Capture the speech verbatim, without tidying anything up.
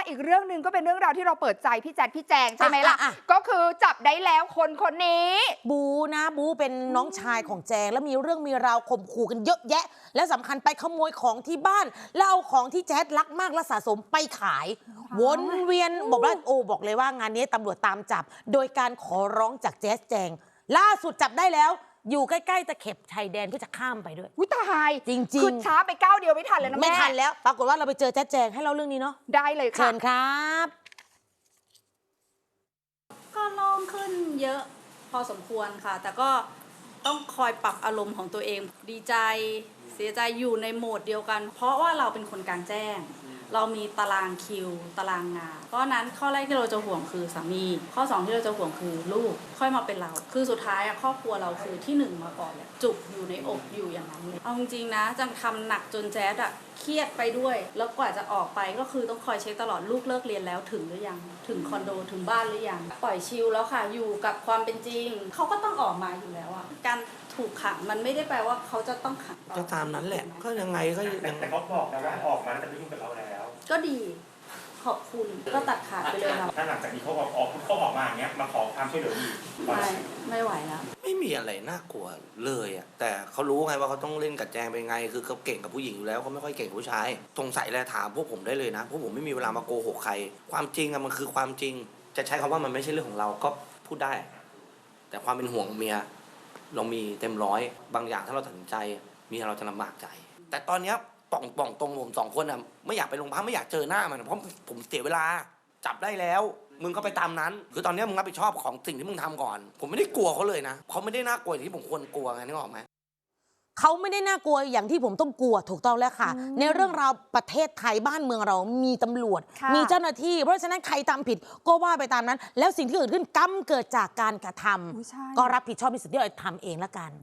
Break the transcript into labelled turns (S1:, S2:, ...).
S1: อีกเรื่องหนึ่งก็เป็นเรื่องราวที่เราเปิดใจพี่แจ๊ดพี่แจงใช่ไหมล่ะ
S2: อ่ะอ่ะ
S1: ก็คือจับได้แล้วคนคนนี้
S2: บูนะบูเป็นน้องชายของแจงแล้วมีเรื่องมีราวข่มขู่กันเยอะแยะ และสำคัญไปขโมยของที่บ้าน แล้วเอาของที่แจ๊ดรักมากและสะสมไปขาย วนเวียนบอกว่าโอ้บอกเลยว่างานนี้ตำรวจตามจับ โดยการขอร้องจากแจ๊ดแจงล่าสุดจับได้แล้วอยู่ใกล้ๆตะเข็บชายแดนเพื่อจะข้ามไปด้วย
S1: วิตาย
S2: จริงๆ
S1: คือช้าไปก้าวเดียวไม่ทันเลยนะแม่
S2: ไม่ทันแล้วปรากฏว่าเราไปเจอแจ๊ดแจงให้เล่าเรื่องนี้เนาะ
S1: ได้เลย
S2: เชิ
S1: ค่ะ
S2: ญครับ
S3: ก็โล่งขึ้นเยอะพอสมควรค่ะ แต่ก็ต้องคอยปรับอารมณ์ของตัวเอง ดีใจเสียใจอยู่ในโหมดเดียวกัน เพราะว่าเราเป็นคนกลางแจ้ง เรามีตารางคิว ตารางงาน เพราะนั้นข้อแรกที่เราจะห่วงคือสามี ข้อสองที่เราจะห่วงคือลูก ค่อยมาเป็นเรา คือสุดท้ายอะครอบครัวเราคือที่หนึ่งมาก่อนเลยจุกอยู่ในอกอยู่อย่างนั้นเลยเอาจริงๆนะจังทำหนักจนแจ๊ดอะเครียดไปด้วย แล้วกว่าจะออกไปก็คือต้องคอยเช็คตลอดลูกเลิกเรียนแล้วถึงหรือยัง ถึงคอนโดถึงบ้านหรือยัง ปล่อยชิลแล้วค่ะอยู่กับความเป็นจริง เขาก็ต้องออกมาอยู่แล้วอะการถูกขังมันไม่ได้แปลว่าเขาจะต้องขังต่อ
S4: ก็ตามนั้นแหละ ก็ยังไงก็
S5: แต่
S4: ยัง
S5: แต่เขาบอกนะว่าออกมาแล้วจะไม่ยุ่งกับเราแล้ว
S3: ก็ดีขอบคุณก็ตัดขาดไปเลยครับ
S5: ถ้าหลังจากนี้เขาออกออกเขาออกมาอย่างเงี้ยมาขอความช่วยเหลืออีก
S3: ไม่ไม่ไหวแล้ว
S4: ไม่มีอะไรน่ากลัวเลยอ่ะแต่เขารู้ไงว่าเขาต้องเล่นกับแจงเป็นไง คือเขาเก่งกับผู้หญิงอยู่แล้วเขาไม่ค่อยเก่งกับผู้ชายสงสัยแล้วถามพวกผมได้เลยนะพวกผมไม่มีเวลามาโกหกใคร ความจริงอะมันคือความจริง จะใช้คำว่ามันไม่ใช่เรื่องของเราก็พูดได้ แต่ความเป็นห่วงเมียเรามีเต็มร้อยบางอย่างถ้าเราตัดสินใจเมียเราจะลำบากใจ แต่ตอนเนี้ยป่องป่องตรงผมสองคนอ่ะไม่อยากไปโรงพักไม่อยากเจอหน้ามันเพราะผมเสียเวลาจับได้แล้วมึงก็ไปตามนั้น คือตอนนี้มึงรับผิดชอบของสิ่งที่มึงทำก่อน ผมไม่ได้กลัวเขาเลยนะเขาไม่ได้น่ากลัวอย่างที่ผมควรกลัวไงนึกออกไหม
S2: เขาไม่ได้น่ากลัวอย่างที่ผมต้องกลัวถูกต้องแล้วค่ะ ในเรื่องราวประเทศไทยบ้านเมืองเรามีตำรวจ
S1: ค่ะ
S2: มีเจ้าหน้าที่ เพราะฉะนั้นใครทำผิดก็ว่าไปตามนั้น แล้วสิ่งที่เกิดขึ้นกรรมเกิดจากการกระท
S1: อุ๊ยใช่
S2: ำก็รับผิดชอบในสิ่งที่เราทำเองละกัน